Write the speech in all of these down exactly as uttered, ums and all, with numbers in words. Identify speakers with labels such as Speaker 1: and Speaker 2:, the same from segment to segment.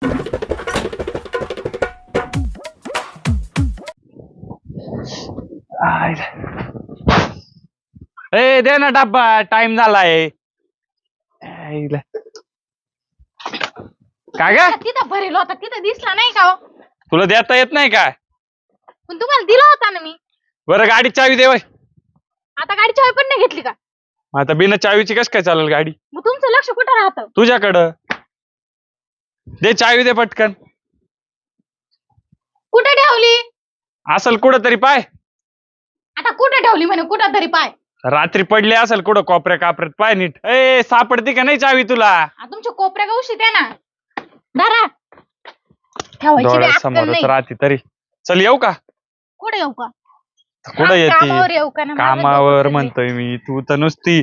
Speaker 1: ए दे ना डब्बा, टाइम झालाय. काय ग
Speaker 2: तिथं भरेल होता, तिथं दिसला नाही का?
Speaker 1: तुला देता येत नाही का?
Speaker 2: पण तुम्हाला दिला होता ना मी.
Speaker 1: बरं गाडी चावी दे.
Speaker 2: आता गाडी चावी पण नाही घेतली का?
Speaker 1: आता बिना चावीची कस काय चालेल गाडी?
Speaker 2: मग तुमचं लक्ष कुठं राहतं?
Speaker 1: तुझ्याकडं. दे चावी दे पटकन.
Speaker 2: कुठे ठेवली?
Speaker 1: असल कुठं तरी पाय.
Speaker 2: आता कुठे ठेवली म्हणे? कुठं तरी पाय.
Speaker 1: रात्री पडली असेल कुठं कोपऱ्या कापऱ्यात, पाय नीट. ए सापडती का नाही चावी तुला?
Speaker 2: तुमच्या कोपऱ्या गवशी द्या ना. दारा ठेवायची बी अक्कल
Speaker 1: समोरच
Speaker 2: नाही.
Speaker 1: राहते तरी. चल येऊ का?
Speaker 2: कुठे येऊ का?
Speaker 1: कुठं येते?
Speaker 2: कामावर येऊ का? ना माझं
Speaker 1: कामावर
Speaker 2: डोकं
Speaker 1: म्हणतोय मी, तू तर नुसती.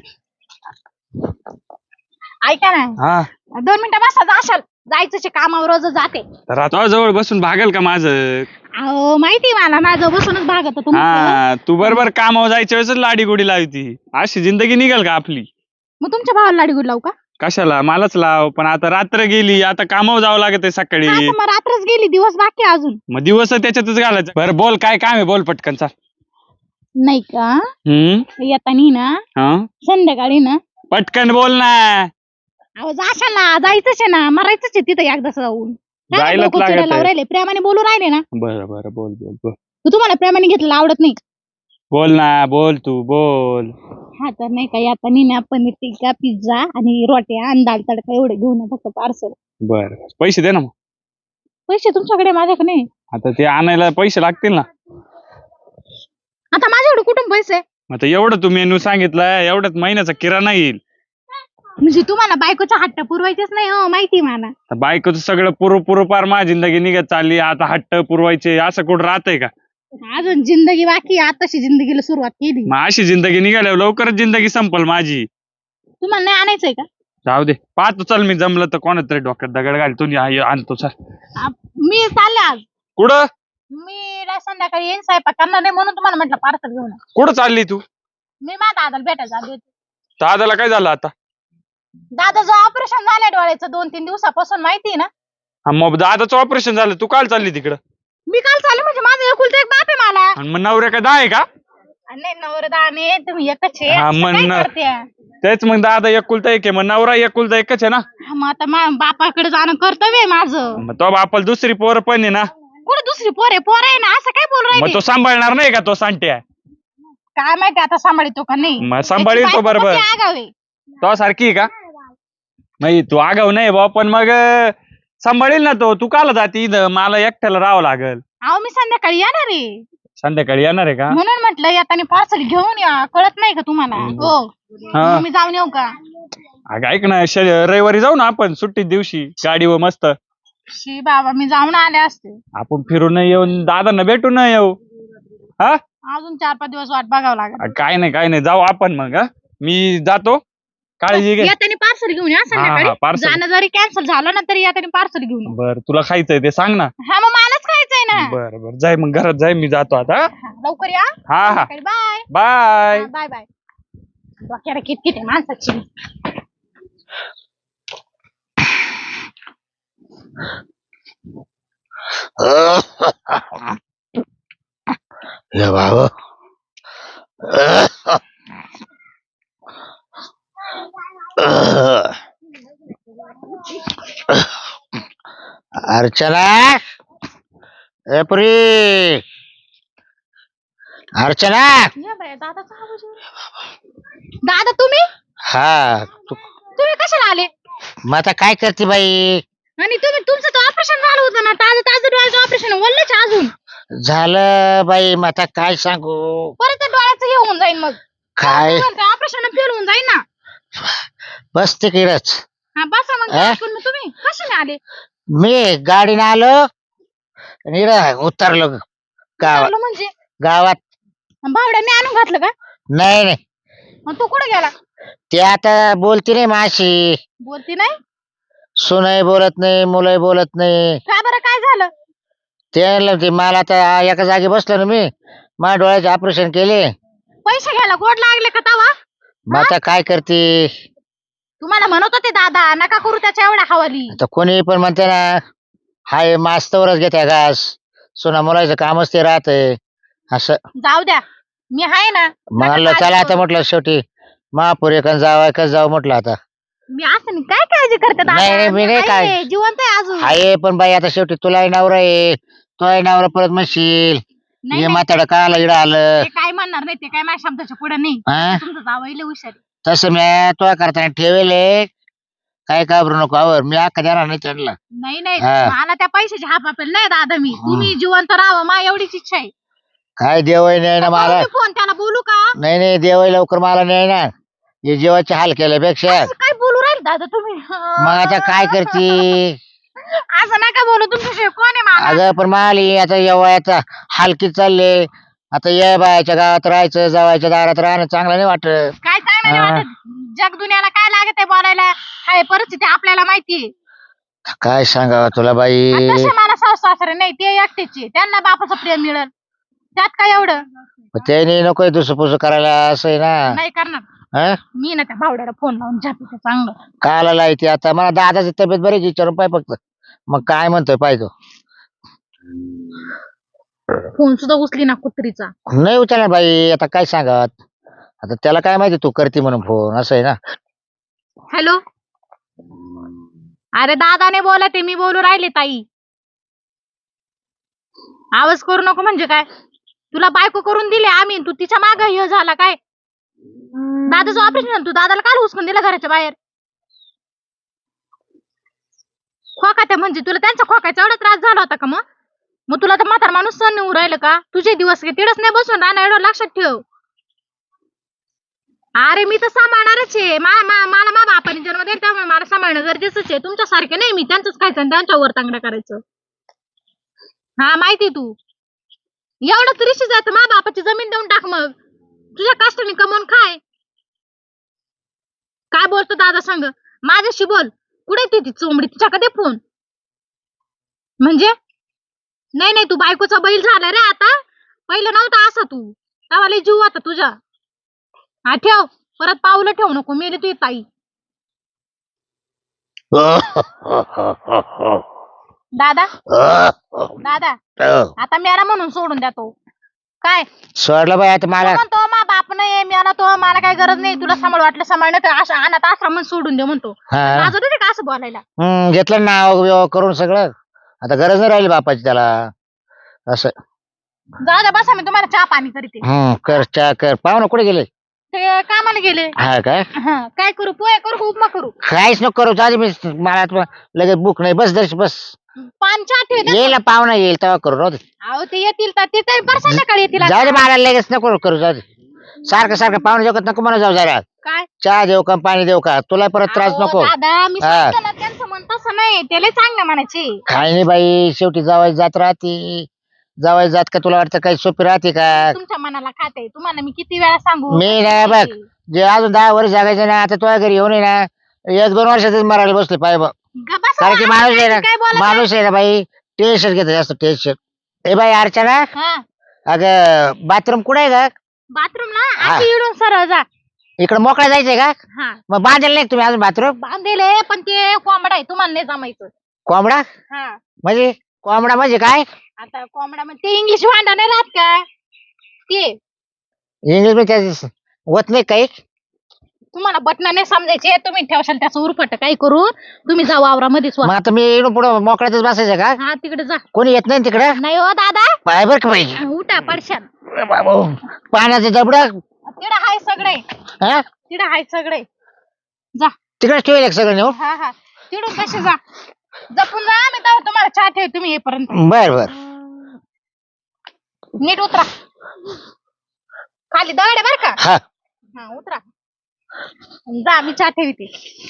Speaker 2: ऐका ना,
Speaker 1: हा
Speaker 2: दोन मिनिटं बसा. जाशाल जायचं कामावर, रोज जाते.
Speaker 1: तर आता जवळ बसून भागेल का माझं?
Speaker 2: अहो माहिती मला, माझं बसूनच भागत तुमचं.
Speaker 1: हा तू बरोबर कामावर जायच्या वेळेस लाडी गोडी लावती. अशी जिंदगी निघेल का आपली?
Speaker 2: मग तुमच्या भावाला लाडी गुड लावू का?
Speaker 1: कशाला? मलाच लाव. पण आता रात्र गेली, आता कामावर जावं लागत आहे सकाळी.
Speaker 2: हा, तर मग रात्रच गेली, दिवस बाकी आहे अजून.
Speaker 1: मग दिवस त्याच्यातच घालायचं. बरं बोल, काय काम आहे? बोल पटकन. चाल.
Speaker 2: नाही का?
Speaker 1: हम्म
Speaker 2: येतानी ना
Speaker 1: हा
Speaker 2: संध्याकाळी ना
Speaker 1: पटकन बोल ना.
Speaker 2: अहो जाशाल ना, जायचंच आहे ना, मरायचंच आहे तिथं एकदा जाऊन. काय
Speaker 1: जायलाच
Speaker 2: डोकं
Speaker 1: लागत
Speaker 2: चिडायला
Speaker 1: आहे.
Speaker 2: राहिले, प्रेमाने बोलू राहिले ना.
Speaker 1: बरं बरं बोल बोल बोल.
Speaker 2: तू तुम्हाला प्रेमाने घेतलेलं आवडत नाही.
Speaker 1: बोल ना, बोल तू बोल.
Speaker 2: हा तर नाही का, येतानी ना पनीर टिक्का, पिझ्झा आणि रोट्या आणि दाल तडका एवढे घेऊन ये फक्त पार्सल.
Speaker 1: बर पैसे दे ना मग.
Speaker 2: पैसे तुमच्याकडे, माझ्याकडे नाही.
Speaker 1: आता ते आणायला पैसे लागतील ना.
Speaker 2: आता माझ्याकडे कुठून पैसे?
Speaker 1: आता एवढं तू मेनू सांगितलं, एवढ्यात महिन्याचा किराणा येईल.
Speaker 2: म्हणजे तुम्हाला बायकोचा हट्ट पुरवायचेच नाही हो, माहिती मला.
Speaker 1: बायकोचं सगळं पुरव पुरव पार माझी जिंदगी निघत चालली. आता हट्ट पुरवायचे असं कुठं राहतंय का?
Speaker 2: अजून जिंदगी बाकी, आताशी जिंदगीला सुरुवात केली.
Speaker 1: मग अशी जिंदगी निघाल्यावर लवकरच जिंदगी संपल माझी.
Speaker 2: तुम्हाला नाही आणायचंय का?
Speaker 1: जाऊ दे, पाहतो. चल मी जमलं तर कोणाच तरी डोक्यात दगड घाल तुम्ही आणतो. चल.
Speaker 2: आ, मी चालले आज.
Speaker 1: कुठं?
Speaker 2: मी ला संध्याकाळी येईन, स्वयंपाक करणार नाही म्हणून तुम्हाला म्हटलं पार्सल घेऊन ये.
Speaker 1: कुठं चालली तू?
Speaker 2: मी माझ्या दादाला भेटायला आली होती.
Speaker 1: दादाला काय झालं आता?
Speaker 2: दादाचं ऑपरेशन झालंय डोळ्याचं दोन तीन दिवसापासून, माहिती ना.
Speaker 1: हा मग दादाचं ऑपरेशन झालं, तू काल चालली तिकडं?
Speaker 2: मी काल चालले म्हणजे माझं एकुलतं एक बाप आहे मला.
Speaker 1: आणि मग नवऱ्या का दहा आहे का?
Speaker 2: नाही नवरदाने तुम्ही एकच आहे.
Speaker 1: हा,
Speaker 2: असं
Speaker 1: मग
Speaker 2: काय
Speaker 1: न-
Speaker 2: करते?
Speaker 1: तेच मग दादा एकुलता एक आहे, मग नवरा एकुलता एकच आहे ना.
Speaker 2: हा, मग आता मा- बापाकडे जाणं कर्तव्य आहे माझं.
Speaker 1: मग तो बापाला दुसरी पोर पण आहे ना.
Speaker 2: कुठे दुसरी पोर आहे? पोर आहे ना, असं काय बोल
Speaker 1: मग
Speaker 2: राहिले?
Speaker 1: तो सांभाळणार नाही का तो सांट्या?
Speaker 2: काय माहिती आता सांभाळतो का नाही.
Speaker 1: मग सांभाळील तो बरोबर.
Speaker 2: त्याची आगाव आहे.
Speaker 1: तो सारखी आहे का? नाही तू आगाव नाही बा, पण मग अं, सांभाळील ना तो. तू काला जाती इथं? मला एकट्याला राहावं लागल.
Speaker 2: अहो मी संध्याकाळी येणार आहे,
Speaker 1: संध्याकाळी येणार आहे का?
Speaker 2: म्हणून म्हटलं येताना पार्सल घेऊन या. कळत नाही का तुम्हाला? हो.
Speaker 1: हा.
Speaker 2: मग मी जाऊन येऊ का?
Speaker 1: अगं ऐक ना, श- रविवारी जाऊ ना आपण सुट्टी दिवशी गाडीवर मस्त.
Speaker 2: शी बाबा, मी जाऊन आले असते.
Speaker 1: आपण फिरून येऊन दादांना भेटून नाही येऊ. हा
Speaker 2: अजून चार पाच दिवस वाट बघावं लागेल.
Speaker 1: काय नाही काय नाही, जाऊ आपण मग. हा? मी जातो, काळजी घे.
Speaker 2: येताना पार्सल घेऊन या
Speaker 1: हा, हा,
Speaker 2: संध्याकाळी.
Speaker 1: parcel.
Speaker 2: जाणं जरी कॅन्सल झालं ना तरी येताना पार्सल घेऊन या.
Speaker 1: बर तुला खायचंय ते सांग ना.
Speaker 2: हा, मग मलाच खायचंय ना.
Speaker 1: बर बर जाय मग, घरात जाय, मी जातो आता.
Speaker 2: हा, लवकर या.
Speaker 1: हा हा
Speaker 2: बाय
Speaker 1: बाय.
Speaker 2: Bye bye. डोक्याला किटकिट आहे माणसाची.
Speaker 3: या बाबा अर्चना, ए पुरी, अर्चना.
Speaker 2: या बाई, दादाचा आवाज येतोय. दादा तुम्ही?
Speaker 3: हा तू
Speaker 2: तुम्ही कशाला आले?
Speaker 3: मग आता काय करते बाई?
Speaker 2: आणि तुम्ही, तुमचं तर ऑपरेशन झालं होतं ना, ताजं ताजं डोळ्याचं ऑपरेशन वल्लच अजून.
Speaker 3: झालं बाई, मग आता काय सांगू?
Speaker 2: परत त्या डोळ्याचं हे होऊन जाईल, मग
Speaker 3: काय
Speaker 2: ऑपरेशन फेल होऊन जाईल ना.
Speaker 3: बस तिकडच.
Speaker 2: हा बसा मग.
Speaker 3: अं?
Speaker 2: पण मग तुम्ही कशाने आले?
Speaker 3: मी गाडीने आलो आणि इकडं उतरलो गावात.
Speaker 2: विचारलं म्हणजे
Speaker 3: गावात
Speaker 2: भावड्याने आणून घातलं का?
Speaker 3: नाही नाही,
Speaker 2: मग तो कुठे गेला?
Speaker 3: ते आता बोलती नाही माशी.
Speaker 2: बोलती नाही?
Speaker 3: सुनही बोलत नाही, मुलंही बोलत नाही.
Speaker 2: का बरं, काय झालं?
Speaker 3: ते ते मला आता एका जागी बसलो ना मी, माझ्या डोळ्याचे ऑपरेशन केले.
Speaker 2: पैसे घ्यायला गोड लागले का तवा?
Speaker 3: मग आता काय करते?
Speaker 2: तुम्हाला म्हणत होते दादा नका करू त्याच्या एवढ्या हवाली.
Speaker 3: आता कोणी पण म्हणते ना, हाय मास्तवरच घेत्या घास सोना मुलाचं कामच ते राहतंय असं
Speaker 2: जाऊ द्या मी आहे ना. नका
Speaker 3: म्हणलं
Speaker 2: काळजी
Speaker 3: चला आता
Speaker 2: करू.
Speaker 3: म्हटलं शेवटी महापुरे kan जावं का जावं म्हटलं आता
Speaker 2: मी असं नाही काय काळजी करते दादा?
Speaker 3: नाही, नाही, मी नाही
Speaker 2: आहे,
Speaker 3: काय-
Speaker 2: जिवंत आहे अजून.
Speaker 3: हाय पण बाई आता शेवटी तुलाही नवरा आहे तोही नवरा परत म्हणशील
Speaker 2: नाही,
Speaker 3: ये
Speaker 2: नाही,
Speaker 3: म्हाताडं काला इडं आलं
Speaker 2: ते काय म्हणणार नाही, ते काय माझ्या शब्दाच्या पुढे नाही.
Speaker 3: हा?
Speaker 2: तुमचं जावईले हुशार आहे.
Speaker 3: तसं मी तो करताना ठेवेले काय घाबरू नको आवर मी अख्खा देणार नाही त्यांना
Speaker 2: नाही नाही
Speaker 3: हा.
Speaker 2: मला त्या पैशाची हाप आपेल नाही दादा. मी तुम्ही जिवंत राहावं मा एवढीच इच्छा आहे.
Speaker 3: काय देवही नाही ना मला
Speaker 2: करू मी फोन त्याला बोलू का?
Speaker 3: नाही नाही देवही लवकर मला नाही ना हे जीवाचे हाल केल्यापेक्षा
Speaker 2: असं काय बोलू राहील दादा तुम्ही?
Speaker 3: मग आता काय करते
Speaker 2: असं नका बोलू. तुमच्याशिवाय कोण आहे मला?
Speaker 3: अगं पण माली आता या वयाचा हालकी चालले आता या बायाच्या गावात राहायचं जावायच्या दारात राहणं चांगलं नाही वाटत
Speaker 2: काय चांगलं नाही
Speaker 3: हा.
Speaker 2: वाटत? जग दुनियाला काय लागत आहे बोलायला? हाय परिस्थिती आपल्याला माहितीये.
Speaker 3: काय सांगावं तुला बाई
Speaker 2: आणि तसे मला सासू सासरे नाही, ते एकटेचे. त्यांना बापाचं प्रेम मिळेल त्यात काय एवढं
Speaker 3: त्याने नको दुसरं पुसं करायला असं आहे ना
Speaker 2: नाही करणार.
Speaker 3: हं?
Speaker 2: मी ना त्या भावड्याला फोन लावून झापते चांगलं.
Speaker 3: काला लायती आता मला दादाची तब्येत बरी आहे, विचारून पाय फक्त मग काय म्हणतोय पाय तो
Speaker 2: फोन सुद्धा उचली ना कुत्रीचा.
Speaker 3: नाही उचलणार बाई आता काय सांगत आता त्याला काय माहिती तू करते म्हणून फोन असं आहे ना
Speaker 2: हॅलो. अरे दादाने बोला ते मी बोलू राहिले ताई. आवाज करू नको म्हणजे काय? तुला बायको करून दिली आम्ही, तू तिच्या माग हे झाला काय? दादाचं ऑपरेशन झालं, तू दादाला काल हुसकून दिला घराच्या बाहेर? खोकात्या म्हणजे तुला त्यांचा खोकायचा एवढा त्रास झाला होता का? मग मग तुला तर म्हातार माणूस सण येऊ राहिलं का? तुझे दिवस काय तिडच नाही बसून राहणार, एवढं लक्षात ठेव. अरे मी तर सांभाळणारच आहे. मा मा- मला मा बापाने जन्म दिला त्यामुळे मला सांभाळणं गरजेचंच आहे. तुमच्यासारखे नाही मी त्यांचंच खायचं आणि त्यांच्यावर तांगड्या करायचं. हा माहिती तू एवढं तरीशी जायचं मा बापाची जमीन देऊन टाक, मग तुझ्या कष्टाने कमवून खाय. काय बोलतो दादा सांग माझ्याशी बोल. कुठे ती ती चोंबडी तिच्याकडे दे फोन. म्हणजे नाही नाही तू बायकोचा बैल झाला रे आता. पहिलं नव्हता असा तू. तेव्हा लय जीव होता तुझा. हा ठेव परत पावलं ठेवू नको, मेली तुझी ताई. दादा दादा आता मेला म्हणून सोडून द्या तो. काय
Speaker 3: सोडलं बाई आता
Speaker 2: तो
Speaker 3: मला
Speaker 2: म्हणतो मा बाप नाही मेला तो, मला काय गरज नाही, तुला सांभाळ वाटलं सांभाळ, नाही तर अशा अनाथ आश्रम सोडून दे म्हणतो.
Speaker 3: हा
Speaker 2: माझं ते का असं बोलायला?
Speaker 3: हम्म, घेतलं नाव बिव करून सगळं आता गरज नाही राहिली बापाची त्याला असं
Speaker 2: जाऊ द्या बसा, मी तुम्हाला चहा पाणी करते.
Speaker 3: हम्म कर चहा कर पाहुणा कुठे गेले
Speaker 2: ते कामाला गेले.
Speaker 3: हा काय
Speaker 2: हा काय करू? पोहे करू का उपमा करू?
Speaker 3: काहीच नको करू चालेल मी मला आता लगेच बुक नाही बस दर्श बस
Speaker 2: पान चहा ठेव.
Speaker 3: येईल ना पाहुणा येईल तेव्हा करू राहू दे.
Speaker 2: अहो ते येतील तर ते तरी बरं संध्याकाळी येतील.
Speaker 3: जाऊ दे मला लगेच नको करू जाऊ दे सारखं सारखं पाहुणे जेवत नको मला जाऊ जरा
Speaker 2: काय
Speaker 3: चहा देऊ का पाणी देऊ का तुला परत त्रास
Speaker 2: अहो,
Speaker 3: नको
Speaker 2: दादा मी
Speaker 3: हा.
Speaker 2: सांगते ना त्यांचं मन तसं नाही, त्याला चांगलं म्हणायचे.
Speaker 3: काय नाही बाई शेवटी जावायची जात राहते जावायची जात का तुला वाटतं काही सोपी राहते का
Speaker 2: तुमच्या मनाला खाते. तुम्हाला मी किती वेळा सांगू?
Speaker 3: मी नाही बघ जे अजून दहा वर्ष जगायचं ना आता तुझ्या घरी येऊन ये ना एक दोन वर्षातच मरायला बसले पाय बघ
Speaker 2: ग बसा,
Speaker 3: कारण की माणूस आहे ना
Speaker 2: काय बोलत
Speaker 3: माणूस आहे ना बाई टेन्शन घेतो जास्त टेन्शन. ए बाई अर्चना
Speaker 2: हा
Speaker 3: अगं बाथरूम कुठे आहे का
Speaker 2: बाथरूम ना
Speaker 3: हा.
Speaker 2: अशी इडून सरळ जा.
Speaker 3: इकडे मोकळा जायचंय का
Speaker 2: हा
Speaker 3: मग बांधेल नाही का तुम्ही अजून बाथरूम
Speaker 2: बांधेले पण ते कोंबडा आहे, तुम्हाला नाही जमायचं.
Speaker 3: कोंबडा
Speaker 2: हा
Speaker 3: म्हणजे कोंबडा म्हणजे काय
Speaker 2: आता कोंबडा म्हणजे ते इंग्लिश भांडा नाही राहत का ते?
Speaker 3: इंग्लिश मध्ये त्याचं होत नाही काही
Speaker 2: तुम्हाला बटना नाही समजायचे, तुम्ही ठेवशाल त्याचं उरफट काही करून. तुम्ही जा वावरामध्ये स्वा.
Speaker 3: मग आता मी इकडून पुढे मोकळ्यातच बसायचं का
Speaker 2: हा तिकडे जा.
Speaker 3: कोणी येत नाही तिकडे
Speaker 2: नाही हो दादा,
Speaker 3: पाय बर का पाहिजे
Speaker 2: उठा पडशाल.
Speaker 3: पाण्याचं दबड
Speaker 2: तिकडे हाय सगळे,
Speaker 3: हा
Speaker 2: तिकडे हाय सगळे. जा.
Speaker 3: तिकडेच ठेवेल एक सगळं नेऊ
Speaker 2: हा हा तिकडून कसे जा, जपून जा. मी तेव्हा तुम्हाला चहा ठेव, तुम्ही येईपर्यंत.
Speaker 3: बर बर
Speaker 2: नीट उतरा खाली दगड आहे बर का.
Speaker 3: हा
Speaker 2: हा उतरा जा, मी चहा ठेवते.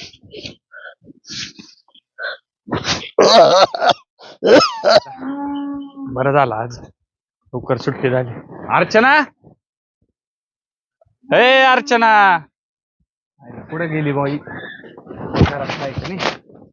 Speaker 1: बरं झालं आज लवकर सुट्टी झाली. अर्चना ए अर्चना कुठे गेली बाई? घरात आहे का नाही?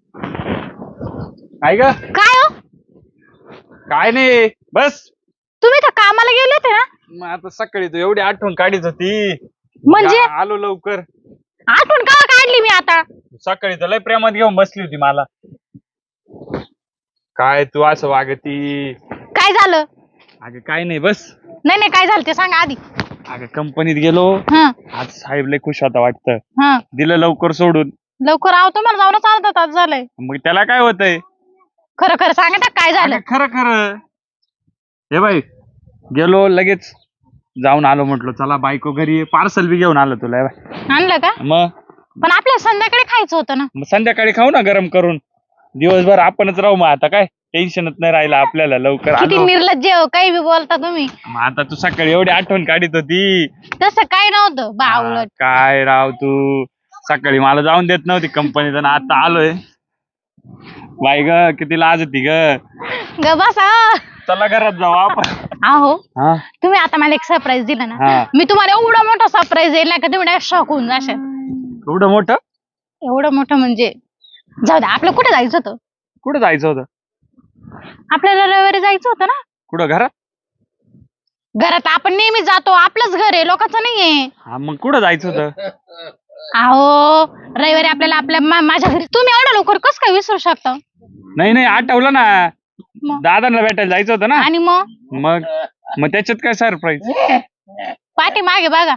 Speaker 1: काय ग?
Speaker 2: काय हो
Speaker 1: काय नाही बस.
Speaker 2: तुम्ही तर कामाला गेले होते ना?
Speaker 1: मग आता सकाळी तू एवढी आठवण काढीत होती
Speaker 2: म्हणजे
Speaker 1: का आलो लवकर.
Speaker 2: आठवण का काढली मी आता?
Speaker 1: सकाळी तर लय प्रेमात घेऊन बसली होती मला. काय तू असं वागती?
Speaker 2: काय झालं?
Speaker 1: अगं काय नाही बस.
Speaker 2: नाही नाही काय झालं ते सांगा आधी.
Speaker 1: अगं कंपनीत गेलो.
Speaker 2: हा
Speaker 1: आज साहेब लय खुश होता वाटतं.
Speaker 2: हा
Speaker 1: दिलं लवकर सोडून.
Speaker 2: लवकर आव तुम्हाला जाऊनच अर्धा तास झालाय.
Speaker 1: मग त्याला काय होतंय?
Speaker 2: खरं खरं सांगा ना काय झालं.
Speaker 1: अगं खरं खरं. हे बाई गेलो लगेच जाऊन आलो म्हटलं चला बायको घरी पार्सल बी घेऊन आलो तुला. हे बाई.
Speaker 2: आणलं का?
Speaker 1: मग
Speaker 2: पण आपल्याला संध्याकाळी खायचं होतं ना.
Speaker 1: मग संध्याकाळी खाऊ ना गरम करून. दिवसभर आपणच राहू मग आता काय टेन्शनच नाही राहिलं आपल्याला. लवकर
Speaker 2: किती
Speaker 1: आलो.
Speaker 2: निर्लज्ज हो, काही बी बोलता तुम्ही.
Speaker 1: मग आता तू सकाळी एवढी आठवण काढीत होती.
Speaker 2: तसं काय नव्हतं
Speaker 1: हा,
Speaker 2: बावळट.
Speaker 1: काय राव तू सकाळी मला जाऊन देत नव्हती कंपनीत आणि आता आलोय. बाई ग किती लाज होती ग.
Speaker 2: ग बसा.
Speaker 1: चला घरात जाऊ आपण.
Speaker 2: आहो
Speaker 1: हा
Speaker 2: तुम्ही आता मला एक सरप्राईज दिला ना.
Speaker 1: हा.
Speaker 2: मी तुम्हाला एवढा मोठा सरप्राईज देईल ना का तुम्ही शॉक होऊन जाशाल.
Speaker 1: एवढं मोठं?
Speaker 2: एवढं मोठं म्हणजे जाऊ द्या. आपलं कुठे जायचं होतं?
Speaker 1: कुठं जायचं होतं?
Speaker 2: आपल्याला रविवारी जायचं होतं ना.
Speaker 1: कुठं घरात?
Speaker 2: घरात आपण नेहमी जातो. आपलंच घर आहे लोकांचं नाहीये.
Speaker 1: हा मग कुठं जायचं होतं?
Speaker 2: अहो रविवारी आपल्याला आपल्या मा- माझ्या घरी. तुम्ही एवढं लवकर कसं काय विसरू शकता?
Speaker 1: नाही नाही आठवलं ना.
Speaker 2: मग?
Speaker 1: दादांना भेटायला जायचं होतं ना.
Speaker 2: आणि मग
Speaker 1: मग मग त्याच्यात काय सरप्राईज?
Speaker 2: पाठी मागे बघा.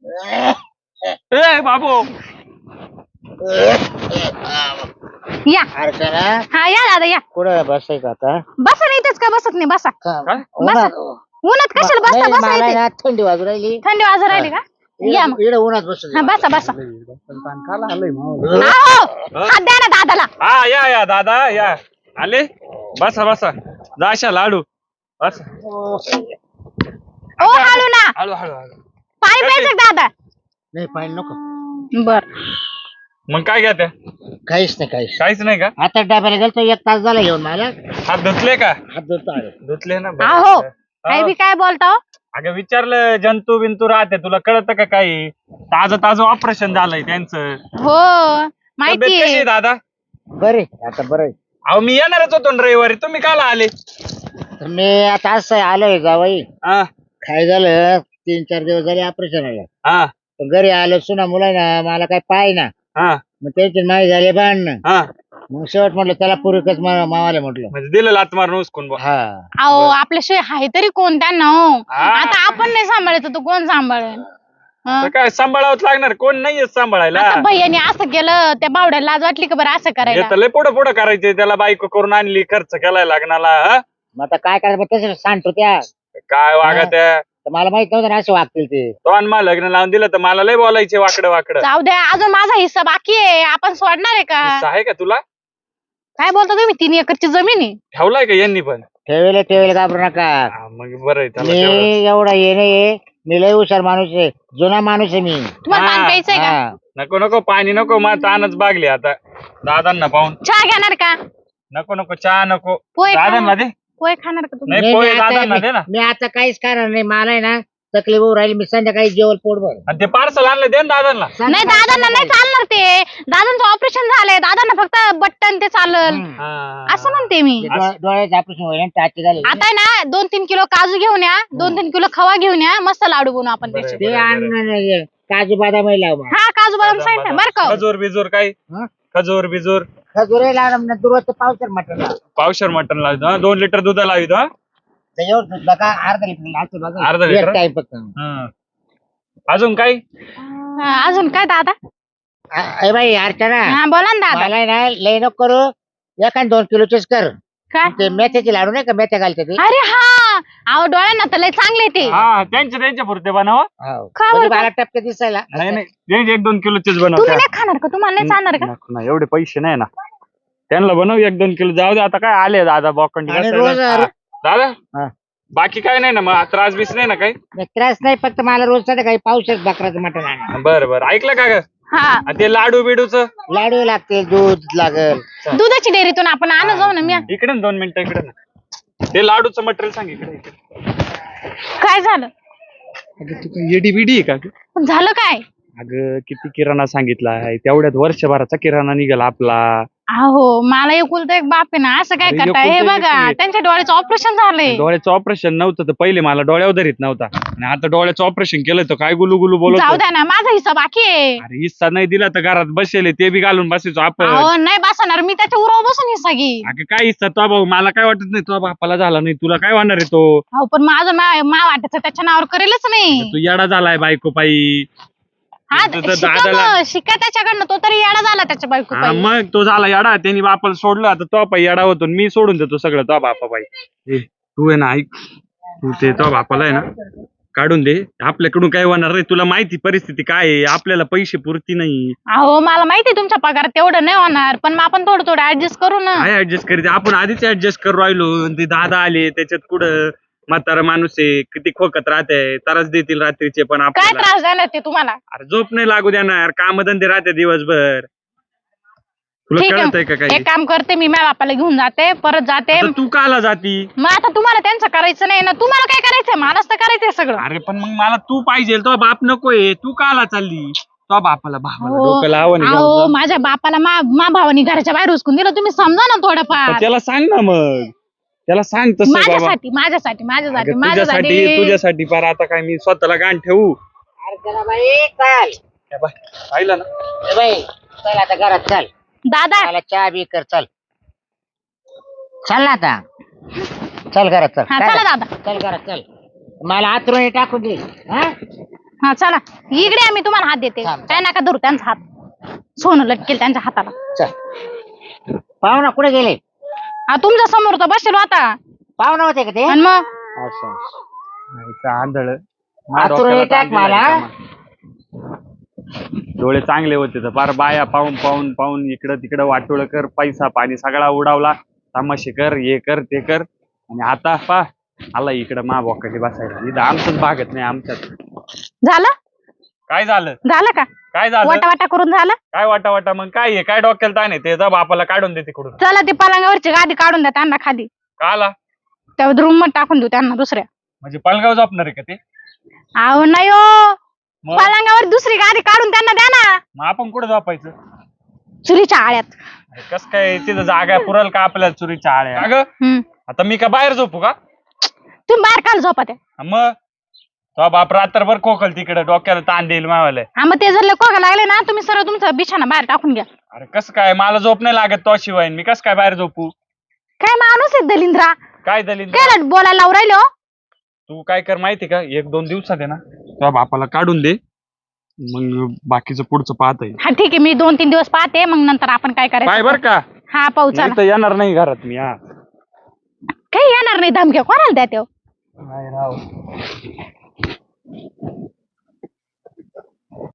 Speaker 1: ए बाबू
Speaker 2: या
Speaker 3: अर्चना
Speaker 2: हा या दादा या.
Speaker 3: कुठं बसायचं आता?
Speaker 2: बसा नाही इथेच का बसत नाही बसा.
Speaker 1: काय?
Speaker 2: बसा. उन्हात कशाला बसता
Speaker 3: नाही,
Speaker 2: बसा
Speaker 3: मला
Speaker 2: इथे.
Speaker 3: ना थंडी वाजू राहिली.
Speaker 2: थंडी वाजून राहिली का? या मग.
Speaker 3: इकडे उन्हात बसून
Speaker 2: हा बसा बसा.
Speaker 1: हा?
Speaker 2: आहो हात द्या ना दादाला.
Speaker 1: हा या या दादा या आले. बसा बसा जाशा लाडू बस.
Speaker 2: ओ हालू ना.
Speaker 1: हळू हळू हळू.
Speaker 2: पाणी प्यायचं का दादा?
Speaker 3: नाही पाणी नको.
Speaker 2: बर.
Speaker 1: मग काय घ्या त्या?
Speaker 3: काहीच नाही काहीच.
Speaker 1: काहीच नाही का?
Speaker 3: आता डब्याला गेलतो एक तास झाला येऊन मला.
Speaker 1: हात धुतले का?
Speaker 3: हात धुतो आहे.
Speaker 1: धुतले ना बरं.
Speaker 2: आहो
Speaker 1: हा.
Speaker 2: काय बी काय बोलता हो?
Speaker 1: अगं विचारलं जंतू बिंतू राहते तुला कळतं का काही? ताजं ताजं ऑपरेशन झालंय त्यांचं.
Speaker 2: हो
Speaker 1: तब्येत
Speaker 2: माहिती
Speaker 1: कशी आहे दादा?
Speaker 3: बरे आता बरं आहे.
Speaker 1: अहो मी येणारच होतो ना रविवारी तुम्ही काला आले?
Speaker 3: तर मी आता असं आलोय जावई.
Speaker 1: हा
Speaker 3: काय झालं तीन चार दिवस झाले ऑपरेशन आलं.
Speaker 1: हा
Speaker 3: पण घरी आलो सुना मुलांना मला काय पाय ना.
Speaker 1: हा
Speaker 3: मग त्याची माही झाले भांडणं.
Speaker 1: हा
Speaker 3: मग शेवट म्हटलं त्याला पूर्वकच मावाले म्हटलं.
Speaker 1: म्हणजे दिलं लात मारून उचकून बुवा.
Speaker 3: हा
Speaker 2: अहो आपल्याशिवाय आहे तरी कोण त्यांना हो.
Speaker 1: हा.
Speaker 2: आता आपण नाही सांभाळायचं तर कोण सांभाळेल? हं?
Speaker 1: तर काय सांभाळावंच लागणार कोण नाहीये सांभाळायला.
Speaker 2: आता भैयाने असं केलं त्या बावड्याला लाज वाटली का बरं असं करायला?
Speaker 1: येतं लय पुढं पुढं करायचे त्याला बायको करून आणली खर्च केलाय लग्नाला. हा?
Speaker 3: मग आता काय करायचं मग तसं सांगतो त्या.
Speaker 1: काय वागा त्या
Speaker 3: तर मला माहित नव्हतं ना असे वागतील ते.
Speaker 1: तो आणि मला लग्न लावून दिलं तर मला लय बोलायचे वाकडं वाकडं.
Speaker 2: जाऊ द्या अजून माझा हिस्सा बाकी आहे. आपण सोडणार आहे का?
Speaker 1: हिस्सा आहे का तुला?
Speaker 2: काय बोलता तुम्ही? तीन एकरची जमीन आहे.
Speaker 1: ठेवलाय का यांनी पण?
Speaker 3: ठेवेल ठेवेल घाबरू नका.
Speaker 1: हा, मग बरं आहे त्याला
Speaker 3: मी
Speaker 1: तेवढं.
Speaker 3: एवढा ये नाही मी लय हुशार माणूस आहे. जुना माणूस आहे मी.
Speaker 2: तुम्हाला
Speaker 1: हा,
Speaker 2: पाणी प्यायचंय का?
Speaker 3: हा.
Speaker 1: नको नको पाणी नको मग तानच बागली आता दादांना पाहून.
Speaker 2: चहा घेणार का?
Speaker 1: नको नको चहा नको.
Speaker 2: पोहे
Speaker 1: दादांना
Speaker 2: खाणार?
Speaker 1: दे.
Speaker 2: पोहे खाणार का तुम्ही?
Speaker 1: नाही
Speaker 3: नाही,
Speaker 1: पोहे
Speaker 3: मी आता-
Speaker 1: दादांना दे ना.
Speaker 3: मी आता काहीच करणार नाही. मला आहे ना तकलीफ होऊ राहिली. मी संध्याकाळी जेवण पोटभर.
Speaker 1: आणि ते पार्सल आणलं दे ना दादांना.
Speaker 2: नाही दादांना नाही चालणार ते. दादांचं ऑपरेशन झालंय. दादांना फक्त बटन ते चालल.
Speaker 3: हम्म.
Speaker 1: हा.
Speaker 2: असं म्हणते मी.
Speaker 3: ते डोळ्या- डोळ्याचं ऑपरेशन होईल टाचे झाले.
Speaker 2: आता आहे ना दोन तीन किलो काजू घेऊन या. दोन तीन किलो खवा घेऊन या. मस्त लाडू बनवू आपण
Speaker 1: बरं.
Speaker 2: त्याचे.
Speaker 3: ते आणणार नाही. काजू बदाम लाव मग.
Speaker 2: हा काजू बदाम सांगितलं बरं का?
Speaker 1: खजूर बिजूर काही
Speaker 3: हं?
Speaker 1: खजूर बिजूर
Speaker 3: खजुरे लावणार ना दुरस्त पावसर मटण.
Speaker 1: पावशर मटन लावितो हा. दोन लिटर दूध लावितो हा.
Speaker 3: त्याच्यावर सुद्धा का अर्धा लिटर लागतो बघा.
Speaker 1: अर्धा
Speaker 3: एक
Speaker 1: लिटर?
Speaker 3: टाइम फक्त.
Speaker 1: हं. अजून काही?
Speaker 2: हा, अजून काय दादा?
Speaker 3: अ- ए बाई अर्चना
Speaker 2: हा बोला ना दादा.
Speaker 3: मला आहे ना लय नको करू. एखाद दोन किलोचेच कर.
Speaker 2: काय?
Speaker 3: ते मेथ्याचे लाडू नाही का मेथ्या घालते ते.
Speaker 2: अरे हा अहो डोळ्यांना तर लय चांगले ते.
Speaker 1: हा त्यांचे त्यांच्या पुरते बनव.
Speaker 3: हो.
Speaker 2: खा
Speaker 3: म्हणजे
Speaker 2: बरं
Speaker 3: मला टपके दिसायला.
Speaker 1: नाही नाही त्यांचे एक दोन किलोचेच बनव.
Speaker 2: तुम्ही नाही खाणार का? तुम्हाला नाही चालणार का?
Speaker 1: नको ना एवढे पैसे नाही ना. त्यांना बनव एक दोन किलो जाऊ दे आता काय आले दादा बॉकंडी
Speaker 3: आणि
Speaker 1: बसायला.
Speaker 3: रोज-
Speaker 1: हा. दादा
Speaker 3: हा.
Speaker 1: बाकी काय नाही ना मग त्रास बीस नाही ना काही?
Speaker 3: नाही, त्रास नाही फक्त मला रोज काही पावशेर बकराचं मटण आणा.
Speaker 1: बरं बरं ऐकलं का ग?
Speaker 2: हा
Speaker 1: आणि ते लाडू बिडूच
Speaker 3: लाडू लागते दूध लागल.
Speaker 2: दुधाची डेअरीतून आपण आणू जाऊ ना मी.
Speaker 1: इकडे ना दोन मिनिटं इकडे ना. ते लाडूचं मटेरियल सांग इकडे इकडे.
Speaker 2: काय झालं?
Speaker 1: अगं तू काय एडी बिडी आहे का ग?
Speaker 2: पण झालं काय?
Speaker 1: अगं किती किराणा सांगितलाय तेवढ्यात वर्षभराचा किराणा निघाला आपला.
Speaker 2: अहो मला एकुलता एक बाप आहे ना, असं काय
Speaker 1: अरे,
Speaker 2: करताय? हे
Speaker 1: एकुलता एक
Speaker 2: बघा
Speaker 1: आहे.
Speaker 2: त्यांच्या डोळ्याचं ऑपरेशन झालंय.
Speaker 1: डोळ्याचं ऑपरेशन नव्हतं तर पहिले मला डोळ्यावर धरीत नव्हता आणि आता डोळ्याचं ऑपरेशन केलं तर काय गुलू गुलू बोलत
Speaker 2: जाऊ द्या ना, माझा हिस्सा बाकी आहे.
Speaker 1: अरे हिस्सा नाही दिला तर घरात बसेल ते बी घालून बसायचो आपण.
Speaker 2: अहो नाही बसणार मी, त्याच्या उरावर बसून हिस्सा घे.
Speaker 1: अगं काय हिस्सा तो भाऊ मला काय वाटत नाही, तो बापाला झाला नाही तुला काय होणार आहे तो?
Speaker 2: अहो पण माझं मा मा वाटायचं त्याच्या नावावर करेलच नाही.
Speaker 1: तू येडा झालाय बायको पायी.
Speaker 2: हा
Speaker 1: तुझं
Speaker 2: शिका
Speaker 1: दादाला-
Speaker 2: मग, शिका त्याच्याकडनं, तो तरी येडा झाला त्याच्या बायको
Speaker 1: हा,
Speaker 2: पायी.
Speaker 1: मग तो झाला येडा, त्यांनी बापाला सोडलं आता तो पायी येडा होतो आणि मी सोडून देतो सगळं तो बापा पायी. ए, तू आहे ना ऐक, तू ते तो बापाला आहे ना काढून दे, आपल्याकडून काय होणार नाही. तुला माहिती परिस्थिती काय आहे, आपल्याला पैसे पुरती नाही.
Speaker 2: अहो मला माहिती तुमच्या पगारात तेवढं नाही होणार, पण मग आपण थोडं थोडं ऍडजस्ट करू ना.
Speaker 1: काय ऍडजस्ट करीत आपण आधीच ऍडजस्ट करू राहिलो आणि ते दादा आले त्याच्यात कुठं म्हातारा माणूस आहे किती खोकत राहते, त्रास देतील रात्रीचे पण
Speaker 2: काय
Speaker 1: आपल्याला.
Speaker 2: त्रास देणार ते तुम्हाला?
Speaker 1: अरे झोप नाही लागू देणार, कामधंदे राहते दिवसभर. तुला
Speaker 2: ठीक
Speaker 1: कळत आहे
Speaker 2: आहे,
Speaker 1: का काही?
Speaker 2: एक काम करते मी, माझ्या बापाला घेऊन जाते, परत जाते.
Speaker 1: आता तू काला जाती?
Speaker 2: मग आता तुम्हाला त्यांचं करायचं नाही ना, तुम्हाला काय करायचंय? मलाच तर करायचंय सगळं.
Speaker 1: अरे पण मग मला तू पाहिजे, तो बाप नकोय, तू काला चालली? तो बापाला भावाला
Speaker 2: हो.
Speaker 1: डोकं लावून
Speaker 2: अहो माझ्या बापाला मा मा भावानी घराच्या बाहेर उचकून दिलं, तुम्ही समजा ना थोडंफार.
Speaker 1: त्याला सांग ना, मग त्याला सांग तसं बाबा.
Speaker 2: माझ्यासाठी माझ्यासाठी माझ्यासाठी
Speaker 1: अगं, तुझ्यासाठी
Speaker 2: माझ्यासाठी
Speaker 1: तुझ्यासाठी पार आता काय मी स्वतःला गाण ठेवू?
Speaker 3: अरे चला बाई चाल.
Speaker 1: काय बाय, पाहिलं ना?
Speaker 3: ए बाई चल आता घरात चल.
Speaker 2: दादा.
Speaker 3: मला चहा बी कर चल. चल ना आता. चल घरात चल.
Speaker 2: हा
Speaker 3: काय
Speaker 2: चला
Speaker 3: झालं?
Speaker 2: दादा.
Speaker 3: चल घरात चल. मला आतरून टाकून दे. हा?
Speaker 2: हा चला इकडे आम्ही तुम्हाला हात देते.
Speaker 3: थांब, थांब.
Speaker 2: काय नका धरू त्यांचा हात, सोनं लटकेल त्यांच्या हाताला.
Speaker 3: चल. पाहुणा कुठे गेले?
Speaker 2: हा तुमच्या समोर तर बसेल आता.
Speaker 3: पाहुणा होते का ते?
Speaker 2: आणि मग
Speaker 3: असं.
Speaker 1: आंधळ
Speaker 3: आतरून टाक मला.
Speaker 1: डोळे चांगले होते तर फार बाया पाहून पाहून पाहून इकडं तिकडं वाटोळ कर, पैसा पाणी सगळा उडावला, तमाशे कर, हे कर ते कर, आणि आता पा आला इकडं मा बोकाटी बसायला. इथं आमचंच भागत नाही आमच्यात.
Speaker 2: झालं
Speaker 1: काय झालं?
Speaker 2: झालं का?
Speaker 1: काय झालं?
Speaker 2: वाटा वाटा करून झालं.
Speaker 1: काय वाटा वाटा मग काय आहे? काय डोक्याला ताण आहे? ते जा बापाला काढून दे तिकडून.
Speaker 2: चला ते पलंगावरची गादी काढून द्या त्यांना खाली,
Speaker 1: का आला?
Speaker 2: त्या रूम मध्ये टाकून देऊ त्यांना दुसऱ्या.
Speaker 1: म्हणजे पलगाव झोपणार आहे का ते?
Speaker 2: अहो नाही हो,
Speaker 1: मग
Speaker 2: पलंगावर दुसरी गादी काढून त्यांना द्या ना,
Speaker 1: मग आपण कुठं झोपायचं?
Speaker 2: चुलीच्या आळ्यात.
Speaker 1: कस काय तिथं जागा पुरल का आपल्याला चुरीच्या आळ्या? अगं
Speaker 2: हम्म.
Speaker 1: आता मी का बाहेर झोपू का?
Speaker 2: तुम्ही बाहेर काल झोपा त्या.
Speaker 1: मग तो बाप रात्रभर खोकल तिकडे, डोक्याला ताण देईल मावाला.
Speaker 2: हा मग ते जर कोका लागले ना, तुम्ही सरळ तुमचा बिछाना बाहेर टाकून घ्या.
Speaker 1: अरे कसं काय, मला झोप नाही लागत तो शिवाय, मी कसं काय बाहेर झोपू?
Speaker 2: काय माणूस आहे दलिंद्रा,
Speaker 1: काय दलील?
Speaker 2: काय रट बोलायला लावून राहिले हो?
Speaker 1: तू काय कर माहिती का, एक दोन दिवसात आहे ना तुझ्या बापाला काढून दे, मग बाकीचं पुढचं पाहता येईल.
Speaker 2: हा ठीक आहे, मी दोन तीन दिवस पाहते, मग नंतर आपण काय
Speaker 1: काय
Speaker 2: करायचं.
Speaker 1: बर का?
Speaker 2: हा पाहू
Speaker 1: नाही
Speaker 2: चला.
Speaker 1: तर येणार नाही घरात मी. हा
Speaker 2: काही येणार नाही, धमक्या कोणाला द्या त्यो.
Speaker 1: नाही राव.